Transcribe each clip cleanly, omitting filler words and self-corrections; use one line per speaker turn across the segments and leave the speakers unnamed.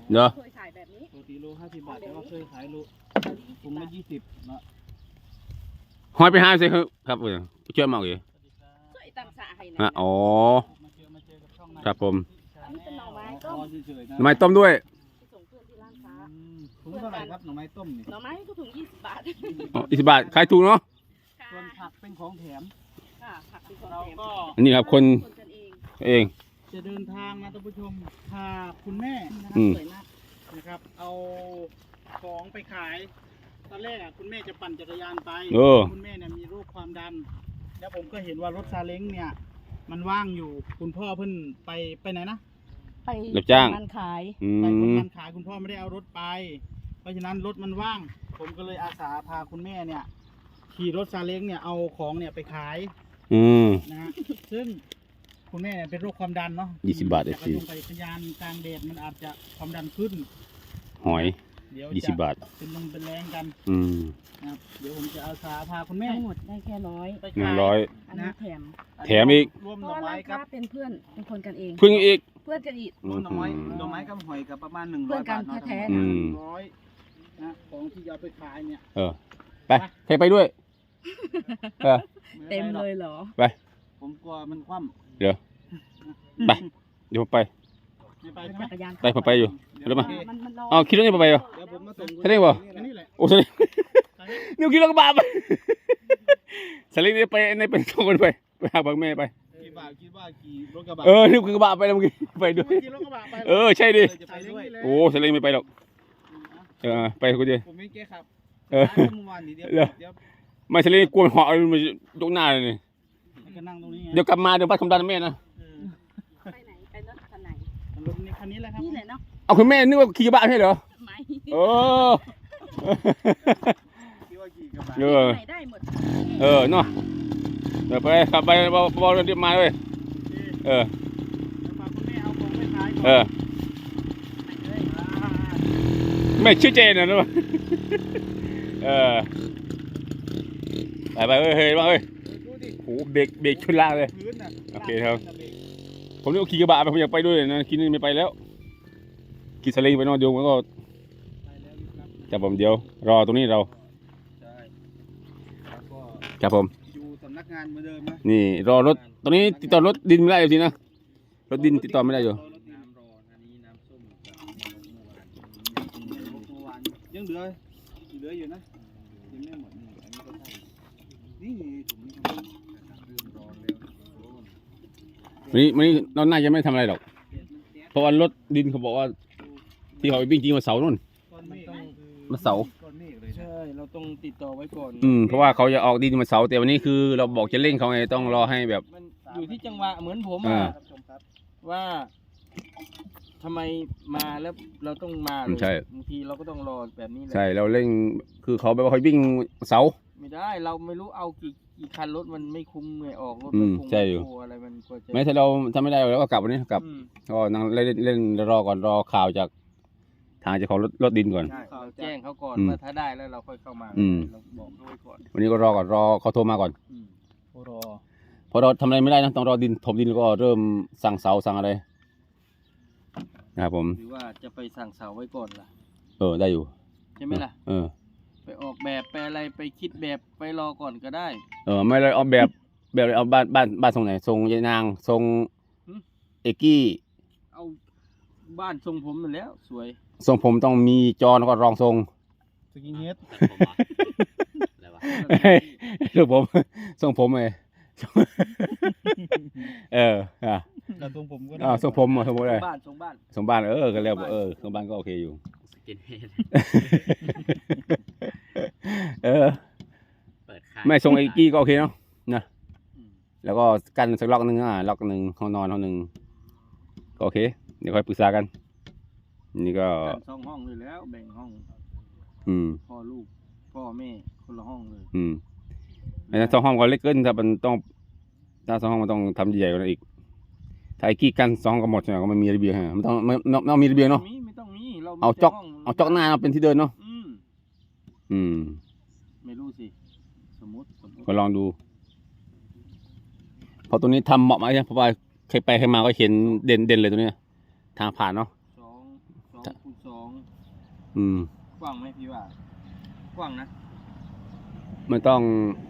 เนาะ
เคยขายแบบนี้
ปกติโล50 บาทแต่ว่าเคยขายโลถุงละ20เนาะ
หอยไปหาสิครับช่วยมาอีก
ช่วยตามสาให้นะ
ฮะอ๋อ
มาเจอกับช่อง
ครับผม
อันนี้เป็นหน่อไม้ต้ม
เฉยๆนะ
ทำไมต้มด้วย
ส่งเพื่อนที่ร้านค้า
ถุงเท่าไหร่ครับหน่อไม้ต้มนี่
หน่อไม้ก็ถุง20 บาท
20 บาทขายถูกเนาะ
ส่วนผักเป็นของแถม
ค่ะผักเป็นของ
เรา
แถม
ก็
อันนี้ครับคน
กันเอง
เอง
จะเดินทางนะท่านผู้ชมพาคุณแม่นะค
อื
รับ
ม
สวยมาก
นะครับ เอาของไปขาย ตอนแรกอ่ะคุณแม่จะปั่นจักรยานไป คุณแม่เนี่ยมีโรคความดัน แล้วผมก็เห็นว่ารถซาเล้งเนี่ย มันว่างอยู่ คุณพ่อเพิ่นไปไหนนะ
ไป
รับจ้าง
มันขาย
อื
ไปคน
ม
มันขายคุณพ่อไม่ได้เอารถไป เพราะฉะนั้นรถมันว่าง ผมก็เลยอาสาพาคุณแม่เนี่ยขี่รถซาเล้งเนี่ยเอาของเนี่ยไปขาย
อืม
นะฮะ ซึ่งคุณแม่เนี่ยเป็นโรคความดันเนาะ
20 บาท
จาก
FC
ลงไปพยานกลางแดดมันอาจจะความดันขึ้น
หอย
เดี๋ยว
20 บาท
เป็นลมเป็นแรงกัน
อืม
นะครับเดี๋ยวผมจะอาสาพาคุณแม่
ทั้งหมดได้แค่ร้อย
ไปขาย
100
อันนี้แถม
แถมอีก
รวม
เพ
หน่
ราะ
อ
ว่า
ไม้
ร้าน
ครั
ค้า
บ
เป็นเพื่อนเป็นคนกันเอง
พึ่งอีก
เพื่อนกันอีก
รวมหน่อไม้กับหอยกับประมาณ100
เพื่อนกัน
บาท
แท้
ๆ
ๆ
อืม
100นะของที่จะเอาไปขายเนี่ย
เออ ไปใครไปด้วย เออ
เต็มเลยเหรอ
ไป
ผมกลัวมันคว่
เดี๋ยว ไป เดี๋ยวผมไป
ำไม่ไปใช่ไหม
จักรยาน
ไปผมไปอยู่
เดี๋
เดี๋ยวมา
โอเค
มันรอ
อ้าวคิดว่าจะไปเหรอ
เดี๋ยวผมมาส่ง
ใช่ได้บ่
แค่นี้แหละ
โอ้สลิงนิวคิดแล้วก็บาปสลิงนี่ไปในเป็นสองคนไปหาบังแม่ไป
คิดว่าขี่รถกระบะ
นิวคือกระบะไปแล้วเมื่อกี้ไปด้วย
ขี่รถกระบะไป
ใช่ดิ
จะไปด้วย
โอ้สลิงไม่ไปหรอก ไปกูดิ
ผมไม่แก้ครับ
เออ
เมื่อวานนี้เดี๋ยว
เหรอ
เดี๋ยว
ไม่สลิงกลัวเหาะมันยกหน้าเลยนี่
มันก็นั่งตรงนี้ไง
เดี๋ยวกลับมาเดี๋ยวพัดคำดันแม่นะ
ไปไหนไปรถคันไหน
รถนี้คันนี้แหละครับ
นี่แหละเนาะ
เอาคุณแม่นึกว่าขี่กระบะใช่เหรอ
ไม่
เออ
คิดว่าขี่กระบะ
เออ
ไหนได้หมด
เนาะเดี๋ยวไปขับไปบอลเดี๋ยวมาเลยเออ
แล้วพาคุณแม่เอาของไปขายก่อน
เออ
ไปเลย
ไม่ชื่อเจนนะรู้ป่ะไปเฮ้ยมาเฮ้ย
ดูดิ
โอ้เบรกชนล่างเลย
พื้นน่ะ
โอเคครับ ผมนี่ก็ขี่กระบะไปผมอยากไปด้วยนะคิดนี่ไม่ไปแล้วขี่สลิงไปนอนเดียวมันก็
ไปแล้วนะครับ
จับผมเดียวรอตรงนี้เรา
ใช่แล้วก็
จับผม
อยู่สำนักงานเหมือนเดิมนะ
นี่รอรถตอนนี้ติดต่อรถดินไม่ได้อยู่ทีนะรถดินติดต่อไม่ได้อยู่
น้ำร้อนอันนี้น้ำส้มกับเมื่อวานยังเหลืออยู่นะยังไม่หมดนี่อันนี้ก็ใช่นี่ถุงนี้ก็เริ่มร้อนแล้ว
วันนี้เราน่าจะไม่ทำอะไรหรอกเพราะว่ารถดินเขาบอกว่าที่เขาไปวิ่งจริงวันเสาร์นู่น
ก้อนเมฆ
วันเสาร์
ก้อนเมฆเลยใช่เราต้องติดต่อไว้ก่อน
เพราะว่าเขาจะออกดินวันเสาร์แต่วันนี้คือเราบอกจะเร่งเขาไงต้องรอให้แบบ
มันอยู่ที่จังหวะเหมือนผม
อ่า
ว่าทำไมมาแล้วเราต้องมาเลย
ใช่
บางทีเราก็ต้องรอแบบนี้แหละ
ใช่เราเร่งคือเขาแบบว่าเขาวิ่งเสาร์
ไม่ได้เราไม่รู้เอากี่คันรถมันไม่คุ้มไงออกรถ
อื
มัน
ม
คง
ใช่อยู่
โอะไรมันกว่าจะ
แม้ถ้าเราทำไม่ได้เราก็กลับวันนี้กลับ
อืม
ก็นั่งเล่นรอก่อนรอข่าวจากทางเจ้าของรถดินก่อน
ใช่เราแจ้งเขาก่อน
อืม
ว่าถ้าได้แล้วเราค่อยเข้ามา
อืม
เราบอกเขาไว้ก่อน
วันนี้ก็รอก่อนรอเขาโทรมาก่อน
รอ
เพราะเราทำอะไรไม่ได้นะต้องรอดินถมดินแล้วก็เริ่มสั่งเสาสั่งอะไรนะครับผม
หรือว่าจะไปสั่งเสาไว้ก่อนล่ะ
ได้อยู่
ใช่ไหมล่ะ ไปออกแบบไปอะไรไปคิดแบบไปรอก่อนก็ได้
ไม่เลยเอาแบบเอาบ้านทรงไหนทรงยายนางทรง
หืม
เอกกี้
เอาบ้านทรงผมนั่นแล้วสวย
ทรงผมต้องมีจอแล้วก็รองทรง
สกินเฮด
อะไรวะ
รูปผมทรงผมเลยอ่ะ
แล้วทรงผมก็ได้
ทรงผมทรงผมเลย
บ้านทรงบ้าน
ทรงบ้านก็เรียกว่าทรงบ้านก็โอเคอยู่
สกินเฮด เปิดค่าย
ไม่ทรงเอกกี้ก็โอเคเนาะ
อืม
แล้วก็กันสักล็อกหนึ่งล็อกหนึ่งห้องนอนห้องหนึ่งก็โอเคเดี๋ยวค่อยปรึกษากันนี่ก็
กันสองห้องเลยแล้วแบ่งห้อง
อืม
พ่อลูกพ่อแม่คนละห้องเลย
ไอ้สองห้องก็เล็กเกินถ้ามันต้องถ้าสองห้องมันต้องทำใหญ่กว่านั้นอีกถ้าไอ้กี้กันสองห้องก็หมดใช่ไหมก็ไม่มีระเบียงฮะมันต้องมีระเบียงเนาะ
ไม่ต้องมีเรามี
เอา
แต่
จอก
ห้ง
เอาจอกหน้ามาเป็นที่เดินเนาะ อืม
ไม่รู้สิสมมติ
ก็ลองดูเพราะตัวนี้ทำเหมาะไหมเพราะว่าใครไปใครมาก็เห็นเด่นเลยตัวเนี้ยทางผ่านเนาะ
สอง
ท
คูณสอง
อืม
กว้างไหมพี่ว่า กว้างนะ
มันต้อง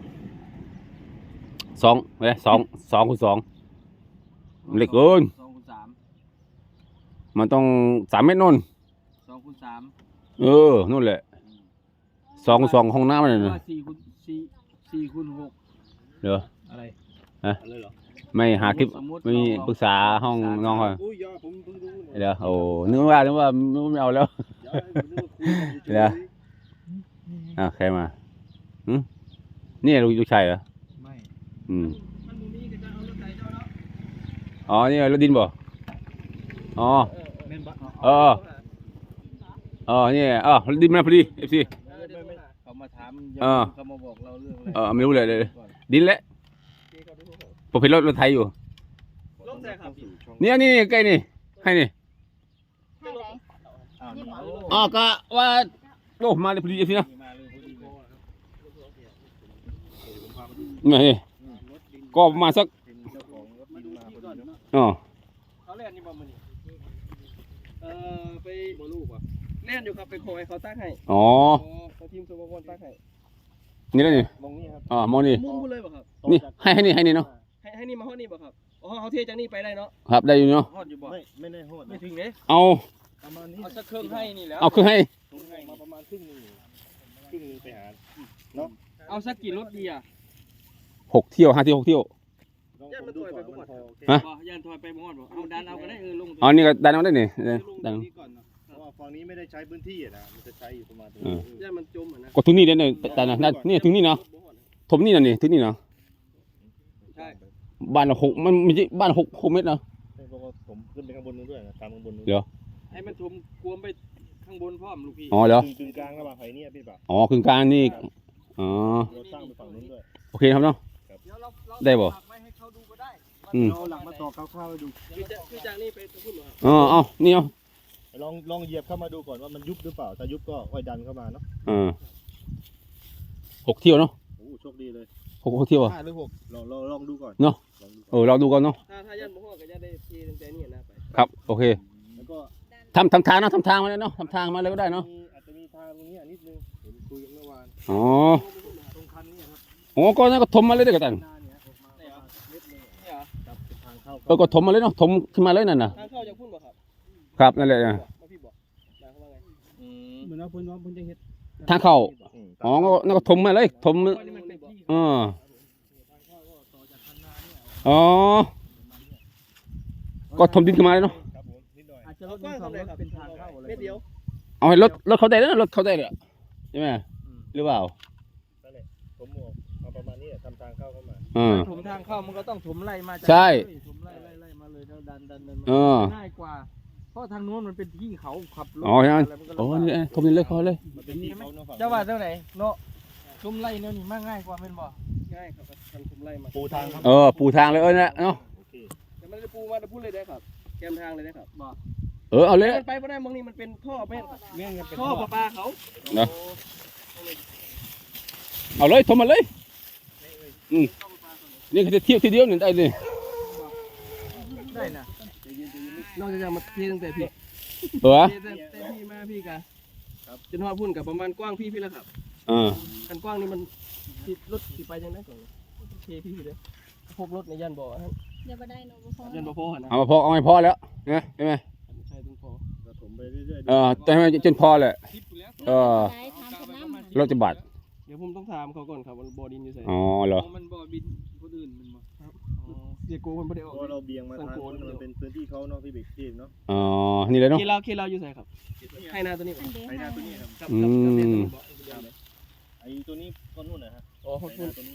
2 คูณ 2เล็กเกิน
2 คูณ
มันต้อง3 เมตรนู่น
3 2 คูณ 3
นู่นแหละ2 คูณ 2ห้องน้ำมันน่ะ
ว่า4 คูณ 6
เดี๋ยว
อะไร
อะไรเหรอ
ไม่หาคลิป
สมมุติ
ไม่ปรึกษาห้องน้องเขา
อุ้ยยอผมเพิ่งรู้เนี่ย
เดี๋ยวโอ้นึกว่าไม่เอาแล้ว
เดี๋ยวผมนึกว่าคุยกันอยู่
เดี๋ยว ใครมานี่ลูกชายเหรอ
ไม่
อืม
มันมีก็จะเอารถไถเจ้าเนาะ
อ๋อนี่รถดินบ่อ๋อ
แม่นบ่
นี่รถดินมาพอดีเอฟซี
เขามาถาม
เออ
เขามาบอกเราเรื่องอะไร
ไม่รู้เลยดินแหละผมเห็นรถไทยอยู่
ลงใส่ครับ
นี่ใกล้นี่ให้นี่
ให้ไหน
อ๋อก็ว่าโอ้มาเลยพอดีเอฟซีนะ
มาเลยพอดีเลย
นี่ก็ประมาณสัก
เป็นเจ้าของรถดินมาพอดีเนาะ
อ๋อ
เขาเล่นนี่บ่มื้อนี้ไปบ่ลูกว่ะเล่นอยู่ครับไปขอให้เขาตั้งให้
อ๋อ
เขาทีมสมบูรณ์ตั้งให้
นี่แล้วนี่
มองนี่ครับ
มองนี่
มุ่งพูดเลยบ่ครับ
นี่ให้นี่เนาะ
ให้นี่มาฮอดนี่บ่ครับอ๋อเขาเทจากนี่ไปได้เนาะ
ครับได้อยู่เนาะ
ฮอดอยู่บ่
ไม่ได้โหด
ไม่
นะ
ถึงเด้
เอา
ประมาณนี้
เอาสักเครื่องให้นี่แล้ว
เอาคือให้
ผมให้มาประมาณครึ่งหนึงไปหา
เอาสักกี่รถดีอ่ะ
6 เที่ยว5 เที่ยว 6 เที่ยว
ลองผมดูก่อนว่ามันพอโอเค
ฮะ
บ่ยันถอยไปบ่ฮอดบ่เอาดันเอาก็ได้ลง
อ๋อนี่ก็ดันเอาได้นี่
ลงต
ดั
ร
น
งนี้ก่อนนะเพราะว่าฝั่งนี้ไม่ได้ใช้พื้นที่อะนะมันจะใช้อยู่ประมาณตรงนี้
ยันมันจมอ่ะนะ
ก็ถึงนี่เลยเนี่ยแต่นะนี่ถึงนี่เนาะถมนี่น่ะนี่ถึงนี่เนาะ
ใช่
บ้านเรา6มันไม่ใช่บ้าน6 เมตรเนาะ
เพราะว่าผมขึ้นไปข้างบนนู้นด้วยนะตามข้างบนนู้น
เดี๋ยว
ให้มันถมกวมไปข้างบนพร้อมลูกพี่
อ๋อเหรอก
ึ่งกลางระหว่างไผ่เนี่ยพี่ป่ะ
อ๋อกึ่งกลางนี่อ๋อ
เราสร้างไปฝั่งนู้นด้วย
โอเคครับเนาะ
เดี๋ยวเรา
ได้บ่
ฝากไว้ให้เขาดูก็ได้
อืม
เราหลังมาต่อคร่าวๆให้ดู
คือจากนี่ไปตะพุ่นเหรอครับ
เอานี่เอา
ลองเหยียบเข้ามาดูก่อนว่ามันยุบหรือเปล่าถ้ายุบก็ค่อยดันเข้ามาเนาะ
6 เที่ยวเนาะ
โอ้โชคดีเลย
6 เที่ยวอ่ะ
5 หรือ 6ลองดูก่อน
เนาะ เราดูกันเนาะ
ถ้ายันบ่ฮอดก็จะได้ทีตั้งแต่นี่นะไป
ครับโอเค
แล้วก็
ทำทางเนาะทำทางมาเลยเนาะทำทางมาเลยก็ได้เนาะ
อาจจะมีทางตรงนี้นิดนึงเห็นคุยกันเมื่อวาน
อ๋อ
ตรงคันนี้ครับ
โอ้ก็นั่นก็ถมมาเลยเด้อกัน
หน้าเนี่ยออกมาประมาณเม็ดนึง
นี่เหรอ
ครับเป็นทางเข้า
ก็ถมมาเลยเนาะถมขึ้นมาเลยนั่นน่ะ
ทางเข้าจากพุ่นบ่ครับ
ครับนั่นแหละ
มาพี่บอกมาเขาว่าไงเหมือนว่าพุ่นจะเฮ็ด
ทางเข้าอ๋อก็นั่นก็ถมมาเลยถม
นี่มันเป็นที่
อ๋อก็ถมดินขึ้นมาเลยเนาะ
ครับผมนิดหน่อย
อาจจะรถบ้างครับเป็นทางเข้าอะไรเดียว
เอาให้รถเขาได้แล้วรถเขาได้เลยใช่ไหมหรือเปล่า
นั่นแหละผมบอกเอาประมาณนี้ทำทางเข้ามา
ถมทางเข้ามันก็ต้องถมไล่มาจาก
ใช่
ถมไล่มาเลยแล้วดันมา
เออ
ง่ายกว่า เพราะทางโน้นมันเป็นที่เขาขับรถ
อ๋อใช่ไหม
ะรมันก็
โอ้
ลำบาก
นี่ถมดินเลยเขาเลย
มันเป็นที่เขาเนาะฝั่ง
เจ้าว่าเท่าไหร่เนาะถมไล่เนี่ยนี่มากง่ายกว่าเป็นบ่ง่ายครับทางถมไล่มา
ปูทางครับ
ปูทางเลยนะเนาะ
โอเค
แต่ไม่ได้ปูมาจะพูดเลยได้ครับแกมทางเลยได้ครับบ่
เอาเลย
มันไปไม่ได้มองนี่มันเป็นท่อแม่น
แม่งกันเป็น
ท่อประปาเขา
เนาะเอาเลยถมมาเลยนี่คือจะเที่ยวทีเดียวหนึ่งได้เลย
ได้นะนอกจากจะมาเทตั้งแต่พี่
เหรอ
เทตั้งแต่พี่มาพี่กันครับจนฮอดพุ่นกับประมาณกว้างพี่แล้วครับ คันกว้างนี่มันที่รถสิไปยังไงก่อนเทพี่เลยพวกรถในยันบ่อครับ
เดี๋ยวมาได้เนาะบ่พอ
ยันบ่อพอนะ
เอามาพอเอาไม่พอแล้วนะใช่ไหม
ใช่ต้องพอ
ก็ถมไปเรื่อย
แต่ให้มันจนพอแหละ
ทิปอยู่แล้ว
ได้ทำกับน้ำ
รถจะบาด
เดี๋ยวผมต้องถามเขาก่อนครับว่าบ่อดินอยู่ไส
อ๋อเหรอ
มันบ่อบินคนอื่นมันบ่เสียโกมันบ่ได้
ๆ
ออก
เพราะเราเบี่ยงมาทางนู้นมันเป็นพื้นที่เขาเนาะพี่เบกทีเนาะ
อ๋อนี่เลยเนาะ
เคลาอยู่ไสครับให้นาตัวนี้
อันเดียว
ไอ้หน้าตัวนี้ครับ
ครับ
อืม
ไอ้ตัวนี้ก็นู่นนะฮะ
อ๋อ
ไอ้หน้าตัวนี้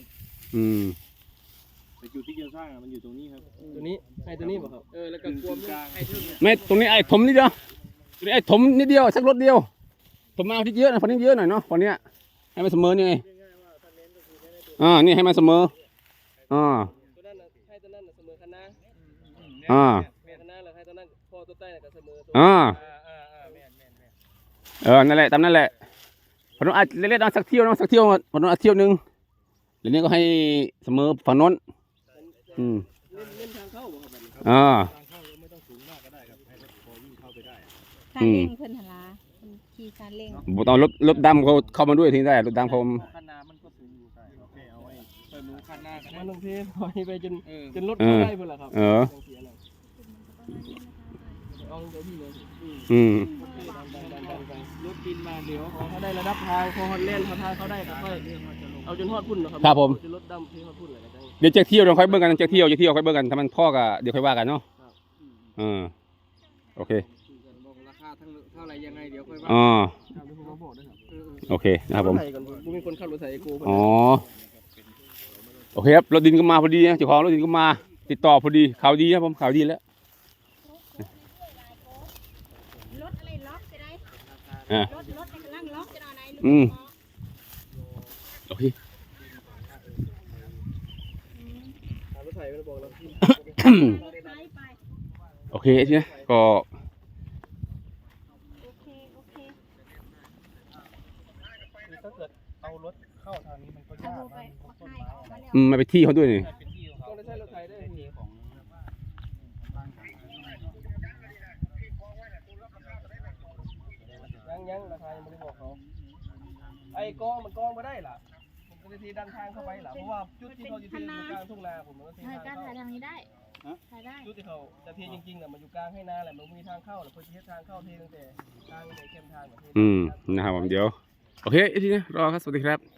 แต่จุดที่จะสร้างมันอยู่ตรงนี้ครับ
ตัวนี้ให้ตัวนี้บ่ครับแล้วก็กลวมให้ทึ่ง
ไม่ตรงนี้ไอ้ถมนิดเดียวตรงนี้ไอ้ถมนิดเดียวสักรถเดียวถมมาที่เยอะนะฝั่งนี้เยอะหน่อยเนาะฝั่งเนี้ยให้มันเสมอนี่ไงนี่ให้มันเสมอ
ตัวนั้นให้ตัวนั้นเสมอคณะ แม่คณะแล้วให้ตัวนั้นพอตัวใต้ก็เสมอตัวแม่น
นั่นแหละตามนั่นแหละฝั่งโน้นอาจเล่นๆสักเที่ยวเนาะสักเที่ยวฝั่งโน้นอาจเที่ยวนึงแล้วนี้ก็ให้เสมอฝั่งโน้น
เล่นทางเข้าบ่ครับบัดนี้
ทางเข้าเราไม่ต้องสูงมากก็ได้ครับให้รถพอวิ่งเข้าไปได้
ซาเล้งเพิ่นหั่นล่ะเพิ่นขี่ซาเล้ง
บ่ต้องรถดำเขาเข้ามาด้วยทีได้รถดำเขา
คันนามันก็สูงอยู่ใช่โอเคเอาไว้เปิดหนูคันหน้าก็ได้
มันลงเทปล่อยไปจน
เออ
จนรถเข้าได้เพิ่นล่ะครับ
เออ
จังเสียน่ะเอาลงไปพี่เลย
อืม
ดันไป
รถดินมาเดี๋ยว
พอเขาได้ระดับทางพอฮอนแลนด์เขาทางเขาได้ก็ค่อยเอาจนฮอดพุ่นเนาะครับ
ครับผม
จนรถดำที่ฮอดพุ่นเลยก็จัง
เดี๋ยวจะเที่ยวเดี๋ยวค่อยเบิ่งกันจะเที่ยวค่อยเบิ่งกันถ้ามันพ่อก็เดี๋ยวค่อยว่ากันเนาะโอเค
บอกราคาทั้งเท่าไหร่ยังไงเดี๋ยวค่อยว่า
อ๋อ
ตามที่ผมบอกด้วยครับ
โอเคนะครับผม
ถไถก่อนผมมีคนขับรถไถเอโก้เพิ่น
อ๋อโอเคครับรถดินก็มาพอดีนะเจ้าของรถดินก็มาติดต่อพอดีข่าวดีครับผมข่าวดีแล้ว
รถอะไรล็อกจะได้
อ่ะ
รถในกำลังล็อกจะได้ไหน
อืม โอเค
ถามรถไถเพิ่นบอกแล้ว
ไปไป
โอเคทีนี้ก็
โอเคโอเค
ถ้าเกิดเอารถเข้าทางนี้มันก็
เอา
ยาก
ไป
มัน
เอา
ต้น
ให้
ไม้
ออกมาแล้ว
มาไปที่เขาด้วยนี่
เป็นที่ของ
ต้
เขา
องได้ใช้รถไถได้พี่
ของ
ยังราคายังไม่ได้บอกเขาไอ้กองมันกองมาได้ล่ะผมก็จะทีดันทางเข้าไปล่ะเพราะว่าจุดที่เขาอยู่ที่อยู่กลางทุ่งนาผมมันก็ที
ถ่าย
ทาง
การถ่าย
เข้า
ทางนี้ได้ถ่ายได้
จุดที่เขาจะเทจริงๆน่ะมันอยู่กลางให้นาแหละมันมีทางเข้าแหละเพื่อจะเฮ็ดทางเข้าเทตั้งแต่ทางในเข้มทางกับเท
นะครับผมเดี๋ยวโอเคทีนี้รอครับสวัสดีครับ